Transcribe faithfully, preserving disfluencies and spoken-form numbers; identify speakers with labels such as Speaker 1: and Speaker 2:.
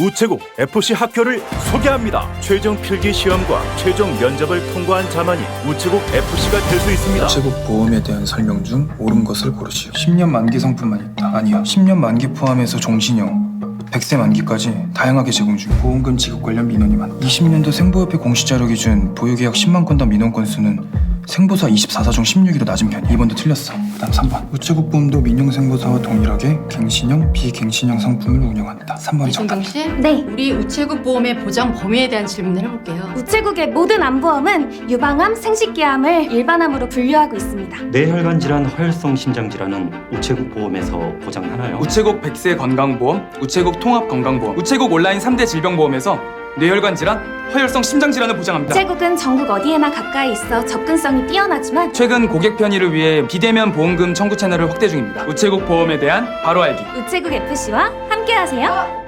Speaker 1: 우체국 에프씨 학교를 소개합니다. 최종 필기 시험과 최종 면접을 통과한 자만이 우체국 에프씨가 될 수 있습니다.
Speaker 2: 우체국 보험에 대한 설명 중 옳은 것을 고르시오. 십 년 만기 상품만 있다. 아니요. 십 년 만기 포함해서 종신형, 백 세 만기까지 다양하게 제공 중. 보험금 지급 관련 민원이 많다. 이십 년도 생보협회 공시자료 기준 보유계약 십만 건당 민원 건수는 생보사 이십사 사 중 십육 위로 낮은 편이야. 이 번도 틀렸어. 그다음 삼 번. 우체국 보험도 민영 생보사와 동일하게 갱신형, 비갱신형 상품을 운영한다. 삼 번이 정답.
Speaker 3: 이순경 씨,
Speaker 4: 네.
Speaker 3: 우리 우체국 보험의 보장 범위에 대한 질문을 해볼게요.
Speaker 4: 우체국의 모든 암보험은 유방암, 생식기암을 일반암으로 분류하고 있습니다.
Speaker 5: 뇌혈관 질환, 허혈성 심장 질환은 우체국 보험에서 보장하나요?
Speaker 6: 우체국 백 세 건강보험, 우체국 통합건강보험, 우체국 온라인 삼 대 질병보험에서 뇌혈관 질환, 허혈성 심장 질환을 보장합니다.
Speaker 4: 우체국은 전국 어디에나 가까이 있어 접근성이 뛰어나지만
Speaker 6: 최근 고객 편의를 위해 비대면 보험금 청구 채널을 확대 중입니다. 우체국 보험에 대한 바로 알기.
Speaker 4: 우체국 에프씨와 함께하세요.